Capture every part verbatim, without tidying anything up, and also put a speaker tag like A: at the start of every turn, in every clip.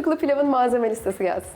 A: Fıstıklı pilavın malzeme listesi gelsin.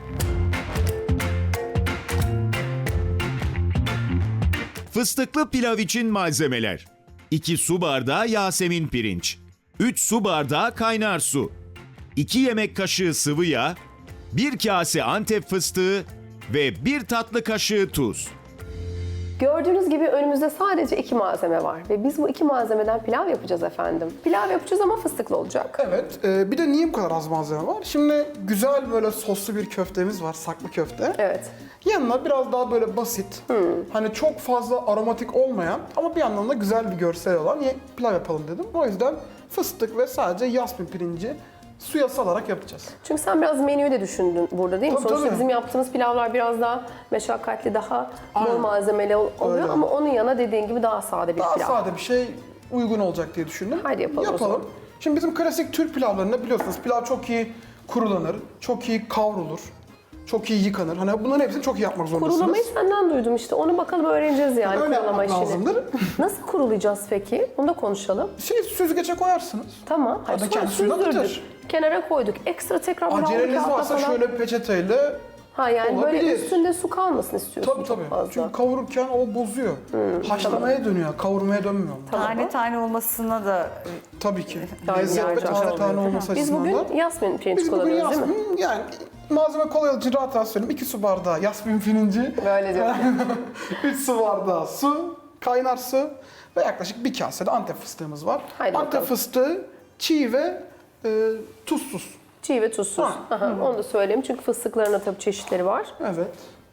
B: Fıstıklı pilav için malzemeler: iki su bardağı Yasemin pirinç, üç su bardağı kaynar su, iki yemek kaşığı sıvı yağ, bir kase Antep fıstığı ve bir tatlı kaşığı tuz.
A: Gördüğünüz gibi önümüzde sadece iki malzeme var ve biz bu iki malzemeden pilav yapacağız efendim. Pilav yapacağız ama fıstıklı olacak.
C: Evet. e, bir de niye bu kadar az malzeme var? Şimdi güzel böyle soslu bir köftemiz var, saklı köfte.
A: Evet.
C: Yanına biraz daha böyle basit, hani çok fazla aromatik olmayan ama bir yandan da güzel bir görsel olan ye- pilav yapalım dedim. O yüzden fıstık ve sadece yasmin pirinci suya salarak yapacağız.
A: Çünkü sen biraz menüyü de düşündün burada değil mi?
C: Tabii,
A: Sonuçta
C: tabii.
A: bizim yaptığımız pilavlar biraz daha meşakkatli, daha bol
C: Aynen.
A: malzemeli ol- oluyor
C: Öyle.
A: ama onun yanına dediğin gibi daha sade bir
C: Daha
A: pilav.
C: sade bir şey uygun olacak diye düşündüm.
A: Haydi yapalım o zaman.
C: Şimdi bizim klasik Türk pilavlarında biliyorsunuz pilav çok iyi kurulanır, çok iyi kavrulur, çok iyi yıkanır. Hani bunların hepsini çok iyi yapmak zorundasınız.
A: Kurulamayı senden duydum işte. Onu bakalım öğreneceğiz yani
C: Öyle
A: kurulama
C: yapmak
A: işini.
C: lazımdır.
A: Nasıl kurulayacağız peki? Onu da konuşalım.
C: Şey süzgece koyarsınız.
A: Tamam. Hayır,
C: Hadi
A: sonra
C: kendi suyunu
A: süzdürdük.
C: akıtır.
A: Kenara koyduk. Ekstra tekrar bir
C: Aceleniz
A: kağıtla
C: varsa
A: falan.
C: şöyle peçeteyle.
A: Ha yani böyle
C: olabilir.
A: üstünde su kalmasın istiyorsun
C: Tabii
A: çok
C: tabii.
A: fazla.
C: Çünkü kavururken o bozuyor. Haşlamaya dönüyor, kavurmaya dönmüyor.
D: Tane tane olmasına da
C: Tabii ki.
A: Tabii,
C: Lezzet ve
A: yardımcı
C: tane
A: oluyor,
C: tane
D: değil mi?
C: olması
A: Biz
C: açısından da.
A: bugün yasmin pirinç
C: Biz bugün
A: kullanıyoruz değil mi?
C: yasmin, yani malzeme kolay için rahat rahat söyleyeyim. iki su bardağı yasmin pirinci,
A: Böyle diyorum.
C: üç su bardağı su, kaynar su ve yaklaşık bir kase de Antep fıstığımız var.
A: Haydi
C: Antep
A: bakalım.
C: fıstığı çiğ ve e, tuzsuz.
A: Çiğ ve tuzsuz.
C: Ha.
A: Aha, onu da söyleyeyim çünkü fıstıkların da tabii çeşitleri var.
C: Evet.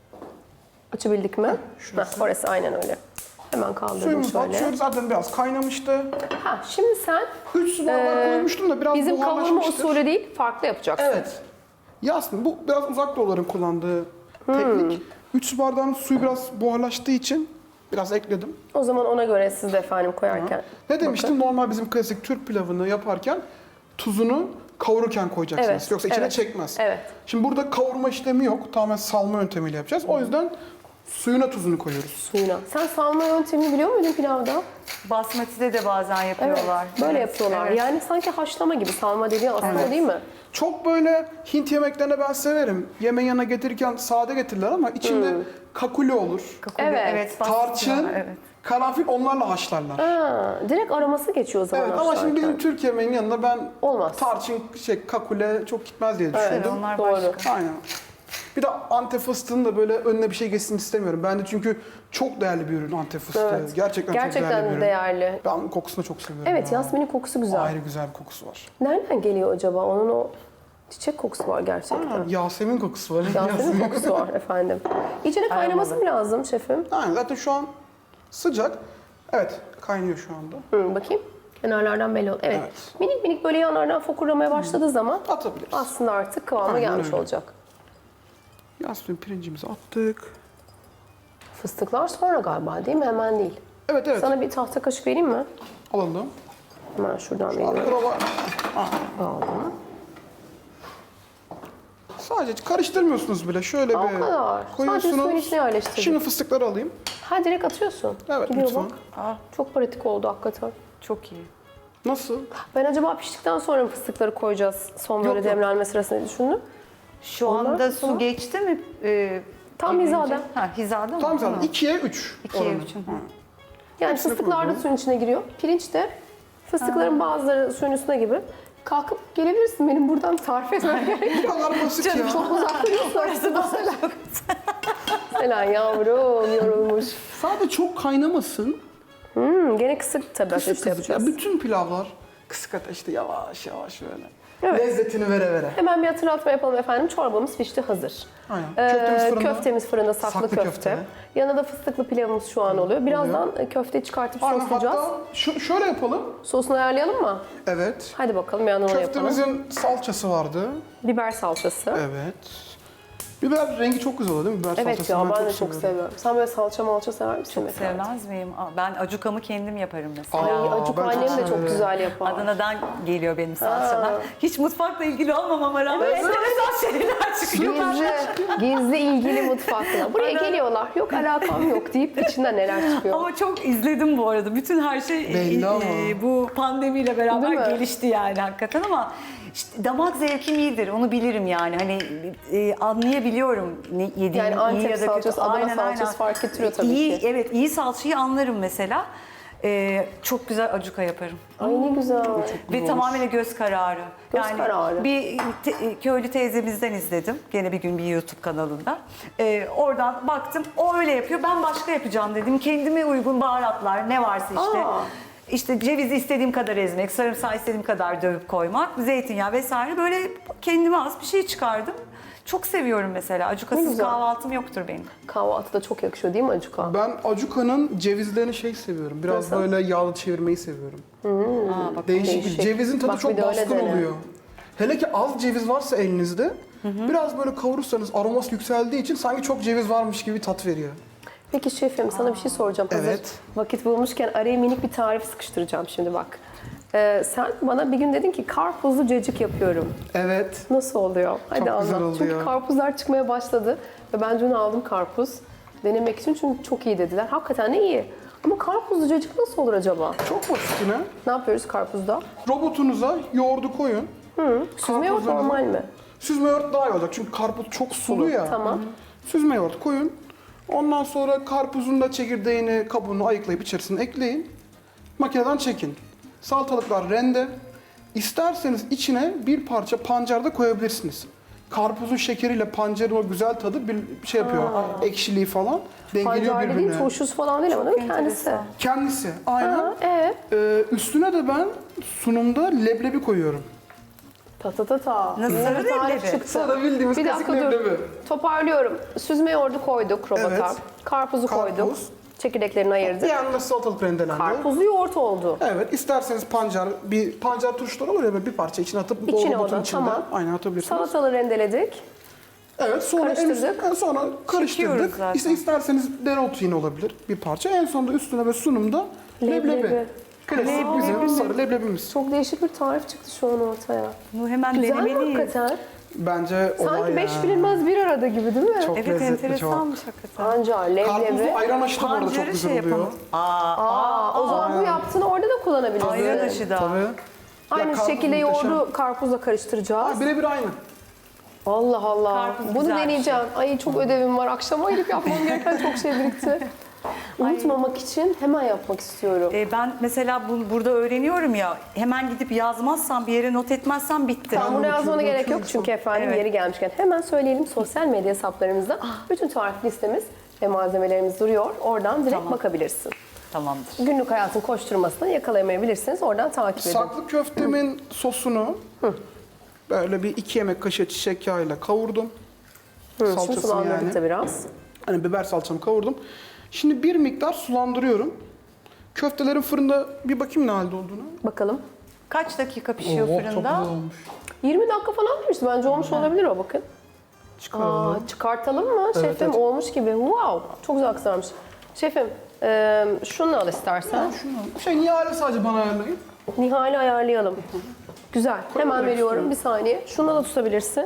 A: Açabildik mi?
C: şurası.
A: Heh, orası aynen öyle. Hemen kaldırdım
C: Suyumuz var.
A: şöyle.
C: Şöyle zaten biraz kaynamıştı.
A: Ha, şimdi sen
C: üç su bardağı
A: Ee,
C: koymuştum da biraz
A: bizim kavurma
C: buharlaşmıştır.
A: usulü değil, farklı yapacaksın.
C: Evet. Yasmin, bu biraz uzak doğuların kullandığı teknik. üç su bardağın suyu biraz buharlaştığı için biraz ekledim.
A: O zaman ona göre siz de efendim koyarken.
C: Ne demiştim? Normal bizim klasik Türk pilavını yaparken tuzunu kavururken koyacaksınız.
A: Evet,
C: Yoksa içine
A: evet,
C: çekmez.
A: evet.
C: Şimdi burada kavurma işlemi yok. Tamamen salma yöntemiyle yapacağız. O yüzden suyuna tuzunu koyuyoruz.
A: Suyuna. Sen salma yöntemini biliyor muydun pilavda?
D: basmati'de de bazen
A: Evet.
D: yapıyorlar.
A: Böyle
D: Evet,
A: yapıyorlar.
D: evet.
A: Yani sanki haşlama gibi salma dediğin aslında o değil mi?
C: Çok böyle Hint yemeklerine ben severim. Yemeğin yanına getirirken sade getirirler ama içinde
A: Hmm.
C: kakule olur.
D: Kakule,
A: Evet.
D: evet basmati
C: Tarçın,
D: var, evet.
C: karanfil onlarla haşlarlar.
A: Ha, direkt aroması geçiyor o zaman.
C: Evet ama şimdi
A: haşlarken.
C: bizim Türk yemeğinin yanında ben
A: Olmaz.
C: tarçın, şey, kakule çok gitmez diye
A: Evet,
C: düşündüm.
D: onlar
A: doğru.
D: başka.
C: Aynen. Bir de Antep fıstığının da böyle önüne bir şey geçsin istemiyorum. Bence çünkü çok değerli bir ürün Antep fıstığı.
A: Evet.
C: Gerçekten,
A: Gerçekten
C: çok değerli bir ürün.
A: değerli.
C: Ben kokusunu çok seviyorum.
A: Evet,
C: ya.
A: yasminin kokusu güzel.
C: Ayrı güzel bir kokusu var.
A: Nereden geliyor acaba? Onun o çiçek kokusu var gerçekten.
C: Aynen, Yasemin kokusu var.
A: Yasemin kokusu var efendim. İçine kaynaması mı lazım şefim?
C: Aynen, zaten şu an sıcak. Evet, kaynıyor şu anda.
A: Hı, bakayım. Kenarlardan belli oldu. Evet.
C: Evet.
A: Minik minik böyle yanlardan fokurlamaya başladığı zaman
C: Atabiliriz.
A: aslında artık kıvama
C: Aynen
A: gelmiş
C: öyle.
A: olacak.
C: Yasmin pirincimizi attık.
A: Fıstıklar sonra galiba değil mi? Hemen değil.
C: Evet evet,
A: Sana bir tahta kaşık vereyim mi?
C: alalım.
A: Hemen şuradan
C: Abi
A: veriyorum.
C: prova.
A: Aldım.
C: Sadece karıştırmıyorsunuz bile. Şöyle
A: Aa, o
C: bir
A: kadar. Sadece
C: koyuyorsunuz.
A: suyun içine yerleştirdim.
C: Şimdi fıstıkları alayım.
A: Ha direkt atıyorsun.
C: Evet,
A: Gidiyor
C: lütfen.
A: bak.
D: Aa,
A: Çok pratik oldu hakikaten.
D: çok iyi.
C: Nasıl?
A: Ben acaba piştikten sonra mı fıstıkları koyacağız son böyle
C: Yok, yok.
A: demlenme sırasında diye düşündüm.
D: Şu
A: Onlar
D: anda
A: sonra-
D: su geçti mi? Ee,
A: Tam
D: gelince?
A: hizada.
D: Ha, hizada mı?
C: Tam zaten
D: Tamam.
C: ikiye üç.
D: İkiye
C: oranı.
D: üç. hı.
A: Yani
C: Hepsini
A: fıstıklar da
C: koydum.
A: suyun içine giriyor. Pirinç de fıstıkların bazıları suyun üstüne gibi. Kalkıp gelebilirsin benim buradan tarif etmem gerek.
C: Bu kadar basit ya.
A: Çok uzakta değil orası da Selen. Selen yavrum yorulmuş.
C: Sadece çok kaynamasın.
A: Hmm, gene kısık tabii
C: Kısık
A: ateşte
C: kısık. Ya
A: yapacağız.
C: bütün pilavlar kısık ateşte yavaş yavaş böyle.
A: Evet.
C: Lezzetini vere vere.
A: Hemen bir hatırlatma yapalım efendim. Çorbamız pişti hazır.
C: Aynen.
A: Ee,
C: Köftemiz fırında.
A: köftemiz fırında saklı,
C: Saklı
A: köfte.
C: köfte.
A: Yanına da fıstıklı pilavımız şu an oluyor. Birazdan köfteyi çıkartıp
C: Aynen,
A: soslayacağız.
C: hatta şu, şöyle yapalım.
A: Sosunu ayarlayalım mı?
C: Evet.
A: Hadi bakalım yanına onu yapalım.
C: Köftemizin salçası vardı.
A: Biber salçası. Evet,
C: Evet. Biber rengi çok güzel oluyor değil mi? Biber salçası
A: ya ben de çok
C: seviyorum.
A: seviyorum. Sen böyle salça malça sever misin?
D: Çok
A: mesela?
D: sevmez miyim? Aa, ben acukamı kendim yaparım mesela.
A: Ay
C: Aa,
A: acuk
C: ben çok
A: annem de çok
C: severim.
A: güzel yapar.
D: Adana'dan geliyor benim salçalar. Hiç mutfakla ilgili olmamama rağmen enteresan şeyler çıkıyor.
A: Gizli, gizli ilgili mutfakla. Buraya
D: Aynen.
A: geliyorlar. Yok alakam yok deyip içinden neler çıkıyor.
D: Ama çok izledim bu arada. Bütün her şey
C: Belli
D: e,
C: ama.
D: e, bu pandemiyle
A: Değil
D: beraber
A: mi?
D: gelişti yani hakikaten ama İşte damak zevkim iyidir, onu bilirim yani. Hani e, anlayabiliyorum ne yediğim
A: Yani
D: iyi
A: Antep
D: ya da kötü.
A: salçası, Adana salçası fark ettiriyor tabii
D: iyi,
A: ki.
D: Evet, iyi salçayı anlarım mesela. E, çok güzel acuka yaparım.
A: Ay ne güzel.
D: Ve tamamen göz kararı.
A: Göz kararı.
D: Bir te- köylü teyzemizden izledim. Gene bir gün bir YouTube kanalında. Ee, oradan baktım, o öyle yapıyor. Ben başka yapacağım dedim. Kendime uygun baharatlar ne varsa işte.
A: Aa.
D: İşte cevizi istediğim kadar ezmek, sarımsağı istediğim kadar dövüp koymak, zeytinyağı vesaire. Böyle kendime az bir şey çıkardım. Çok seviyorum mesela.
A: Ne
D: Acukasız
A: güzel.
D: kahvaltım yoktur benim.
A: Kahvaltıda çok yakışıyor değil mi acuka?
C: Ben acuka'nın cevizlerini şey seviyorum. Biraz
A: Nasıl?
C: böyle yağlı çevirmeyi seviyorum.
D: Aa, bak,
C: Değişik. bir
A: değişik.
C: Cevizin tadı
A: Bak bir
C: çok
A: de öyle
C: baskın
A: dene.
C: oluyor. Hele ki az ceviz varsa elinizde biraz böyle kavurursanız aroması yükseldiği için sanki çok ceviz varmış gibi bir tat veriyor.
A: Peki şefim sana bir şey soracağım. Hazır
C: Evet.
A: vakit bulmuşken araya minik bir tarif sıkıştıracağım şimdi bak. Ee, sen bana bir gün dedin ki karpuzlu cacık yapıyorum.
C: Evet.
A: Nasıl oluyor? Hadi
C: Çok
A: anlat.
C: güzel
A: Çünkü
C: oluyor.
A: karpuzlar çıkmaya başladı ve ben dün aldım karpuz denemek için çünkü çok iyi dediler. Hakikaten de iyi. Ama karpuzlu cacık nasıl olur acaba?
C: Çok basit yine.
A: Ne yapıyoruz karpuzda?
C: Robotunuza yoğurdu koyun.
A: Süzme yoğurt
C: Karpuzlarınızı-
A: normal mi?
C: Süzme yoğurt daha iyi olacak çünkü karpuz çok sulu ya.
A: Tamam.
C: Süzme yoğurt koyun. Ondan sonra karpuzun da çekirdeğini, kabuğunu ayıklayıp içerisine ekleyin. Makineden çekin. Salatalıklar rende. İsterseniz içine bir parça pancar da koyabilirsiniz. Karpuzun şekeriyle pancarın o güzel tadı bir şey yapıyor. Ekşiliği falan dengeliyor
A: Pancar dediğin
C: birbirine.
A: turşusu falan değil ama değil mi kendisi?
D: enteresan.
C: Kendisi aynen.
A: Ha, ee?
C: Ee, üstüne de ben sunumda leblebi koyuyorum.
A: Ta ta ta ta.
D: Nasıl?
A: Yeni bir tarif
D: Leblebi.
A: çıktı.
C: Sana bildiğimiz
A: Bir
C: klasik
A: dakika dur.
C: leblebi.
A: Toparlıyorum. Süzme yoğurdu koyduk robota.
C: Evet.
A: Karpuzu
C: Karpuz.
A: koyduk. Çekirdeklerini
C: Bir
A: ayırdık.
C: yanında salatalık rendelendi.
A: Karpuzlu yoğurt oldu.
C: Evet, isterseniz pancar, bir pancar turşuları olur ya böyle bir parça içine atıp
A: İçine
C: robotun
A: o da,
C: içinde.
A: tamam.
C: Aynen atabilirsiniz.
A: Salatalı rendeledik.
C: Evet, sonra en
A: Karıştırdık.
C: en sonra
D: Çekiyoruz
C: karıştırdık.
D: zaten.
C: İşte isterseniz dereotu yine olabilir bir parça. En sonunda üstüne ve sunumda leblebi.
A: Leblebi.
C: Klasik
A: Leblebi.
C: bizim sarı leblebimiz.
A: Çok değişik bir tarif çıktı şu an ortaya.
D: Bunu hemen
A: Güzel mi
D: denemeliyiz.
A: hakikaten?
C: Bence olay
A: Sanki beş
C: ya.
A: bilinmez bir arada gibi değil mi?
C: Çok
D: Evet,
C: lezzetli,
D: enteresanmış hakikaten.
A: Pancar, leblebi.
C: Karpuzlu ayran aşı da bu arada çok
D: Pancarı
C: güzel
D: şey
C: oluyor.
D: yapalım. Aa,
A: Aa, o zaman bu yaptığını orada da kullanabiliriz.
D: ayran aşı da.
C: Tabii.
A: Aynı
C: Ya karpuz
A: şekilde
C: muhteşem.
A: yoğurdu karpuzla karıştıracağız.
C: Ha, birebir aynı.
A: Allah Allah.
D: Karpuz
A: Bunu
D: güzel bir
A: deneyeceğim. Ay çok ödevim var. Akşama gidip yapmam gereken çok şey birikti. Unutmamak için hemen yapmak istiyorum.
D: E, ben mesela bu, burada öğreniyorum ya, hemen gidip yazmazsam, bir yere not etmezsem bitti.
A: Ben bunu yazmana gerek yok çünkü efendim
D: Evet.
A: yeri gelmişken hemen söyleyelim sosyal medya hesaplarımızda bütün tarif listemiz ve malzemelerimiz duruyor. Oradan direkt
D: Tamam.
A: bakabilirsin.
D: Tamamdır.
A: Günlük hayatın koşturmasını yakalayamayabilirsiniz. Oradan takip edin.
C: Saklı köftemin sosunu böyle bir iki yemek kaşığı çiçek yağıyla kavurdum.
A: Hı, şimdi
C: Salçasını
A: sulandırdık
C: yani.
A: da biraz.
C: Hani biber salçamı kavurdum. Şimdi bir miktar sulandırıyorum. Köftelerin fırında bir bakayım ne halde olduğunu.
A: Bakalım.
D: Kaç dakika pişiyor
C: Oo,
D: fırında?
C: Çok güzel olmuş.
A: yirmi dakika falan demişti. Bence olmuş olabilir o bakın.
C: Çıkaralım.
A: Aa, çıkartalım mı şefim?
C: evet.
A: Olmuş gibi. Wow. Çok güzel kızarmış. Şefim e, şunu al istersen.
C: Şunu, şey Nihal'e sadece bana ayarlayın.
A: Nihal'i ayarlayalım. Güzel. Hemen
C: direkt
A: veriyorum.
C: şuraya.
A: Bir saniye. Şunu da tutabilirsin.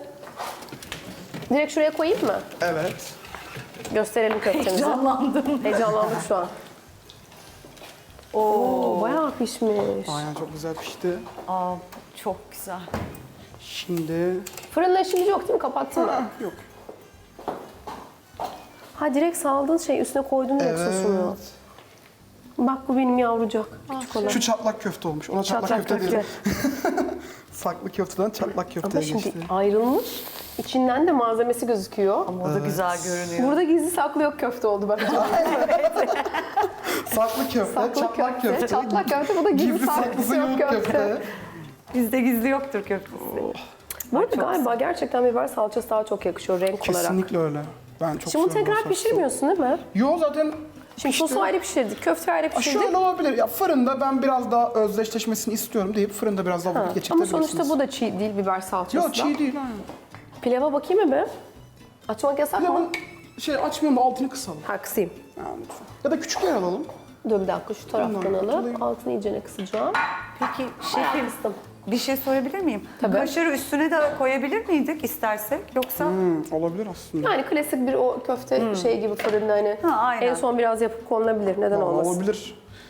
A: Direkt şuraya koyayım mı?
C: Evet.
A: Gösterelim köftemizi.
D: Heyecanlandım.
A: Heyecanlandık şu an. Oo, bayağı pişmiş.
C: Aynen çok güzel pişti.
D: Aa, çok güzel.
C: Şimdi...
A: Fırınla işimiz yok değil mi? Kapattın mı?
C: Ha, yok.
A: Ha direkt saldın şey üstüne koydun direkt sosunu.
C: Evet.
A: Bak bu benim yavrucak. Küçük olan.
C: Şu çatlak köfte olmuş. Ona çatlak,
A: Çatlak
C: köfte
A: köfte.
C: diyelim. Saklı köfteden çatlak
A: Ama
C: köfteye
A: şimdi
C: geçti.
A: ayrılmış. İçinden de malzemesi gözüküyor.
D: Ama o da güzel görünüyor.
A: Burada gizli saklı yok köfte oldu bence.
C: Saklı köfte,
A: Saklı
C: çatlak
A: köfte,
C: köfte.
A: çatlak köfte, bu da gizli
C: Gizli
A: saklısı
C: saklısı
A: yok
C: yok
A: köfte.
C: köfte.
D: Bizde gizli yoktur köftesi.
A: Bu arada galiba gerçekten biber salçası daha çok yakışıyor renk olarak.
C: Kesinlikle öyle. Ben çok
A: Şimdi bunu
C: seviyorum
A: tekrar
C: o sosu.
A: pişirmiyorsun değil mi?
C: Yo zaten
A: Şimdi
C: pişti.
A: sosu ayrı pişirdik, köfte ayrı
C: Aa,
A: pişirdik.
C: Şöyle olabilir. Ya fırında ben biraz daha özdeşleşmesini istiyorum deyip fırında biraz daha vakit
A: Ama
C: geçirtebilirsiniz.
A: sonuçta bu da çiğ değil biber salçası
C: Yok
A: da.
C: çiğ değil. Aynen.
A: Pilava bakayım mı be? Açmak yasak mı?
C: Pilavın şey açmayalım da altını kısalım.
A: Ha kısayım.
C: Ha, lütfen. Ya da küçük yer alalım.
A: Dur bir dakika şu taraftan
C: Bundan
A: alıp
C: kurtulayım.
A: altını iyicene kısacağım.
D: Peki
A: Bayağı
D: şefim,
A: kıstım.
D: bir şey sorabilir miyim?
A: Tabii.
D: Kaşarı üstüne de koyabilir miydik istersek? Yoksa
C: Hmm, olabilir aslında.
A: Yani klasik bir o köfte şey gibi fırında hani
D: Ha, aynen.
A: en son biraz yapıp konulabilir. Neden
C: Vallahi
A: olmasın?
C: olabilir.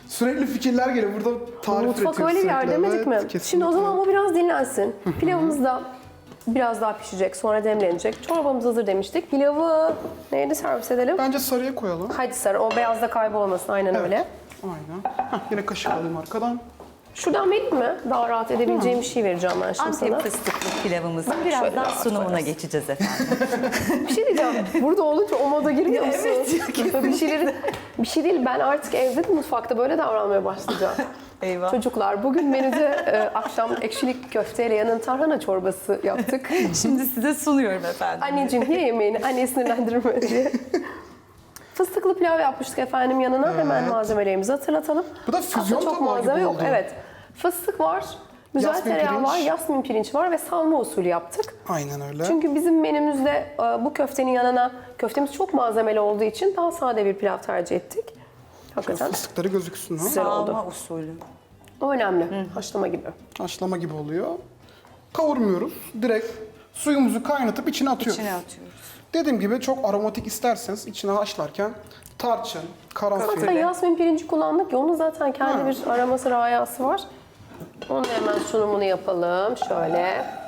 C: Sürekli fikirler geliyor. Burada tarif
A: Mutfak
C: üretiyoruz
A: öyle bir yer
C: sürekli.
A: demedik
C: Evet,
A: mi?
C: kesinlikle.
A: Şimdi o zaman bu biraz dinlensin. Pilavımız da biraz daha pişecek, sonra demlenecek. Çorbamız hazır demiştik. Pilavı neydi servis edelim?
C: Bence sarıya koyalım.
A: Hadi sarı, o beyaz da kaybolmasın, aynen
C: Evet.
A: öyle.
C: Aynen. Heh, yine kaşık alayım arkadan.
A: Şuradan vereyim mi? Daha rahat edebileceğim bir şey vereceğim ben şimdi sana.
D: Antep fıstıklı pilavımızın
A: şöyle
D: birazdan
A: rahat
D: sunumuna
A: koyarız.
D: geçeceğiz efendim.
A: Bir şey diyeceğim. Burada olunca o moda girmiyor musun?
D: Evet,
A: bir şeyleri, bir şey değil. Ben artık evde de mutfakta böyle davranmaya başlayacağım.
D: Eyvah.
A: Çocuklar bugün menüde e, akşam ekşilik köfteyle yanın tarhana çorbası yaptık.
D: Şimdi size sunuyorum efendim.
A: Anneciğim ye yemeğini, anneyi sinirlendirme diye. Fıstıklı pilav yapmıştık efendim yanına. Hemen
C: Evet.
A: malzemelerimizi hatırlatalım.
C: Bu da füzyon
A: Aslında çok
C: tabağı gibi
A: malzeme yok.
C: oldu.
A: Evet. Fıstık var, güzel
C: Yasmin
A: tereyağı
C: pirinç.
A: var, yasmin pirinç var ve salma usulü yaptık.
C: Aynen öyle.
A: Çünkü bizim menümüzde e, bu köftenin yanına, köftemiz çok malzemeli olduğu için daha sade bir pilav tercih ettik. Hakikaten
C: Fıstıkları gözüksün. Ha?
A: güzel oldu.
D: Salma usulü.
A: O önemli. Haşlama gibi.
C: Haşlama gibi oluyor. Kavurmuyoruz. Direkt suyumuzu kaynatıp içine atıyoruz.
D: İçine atıyoruz.
C: Dediğim gibi çok aromatik isterseniz içine haşlarken tarçın, karanfil.
A: Zaten yasmin pirinci kullandık ya, onun zaten kendi
C: Ha.
A: bir aroması, rayası var. Onun hemen sunumunu yapalım. Şöyle.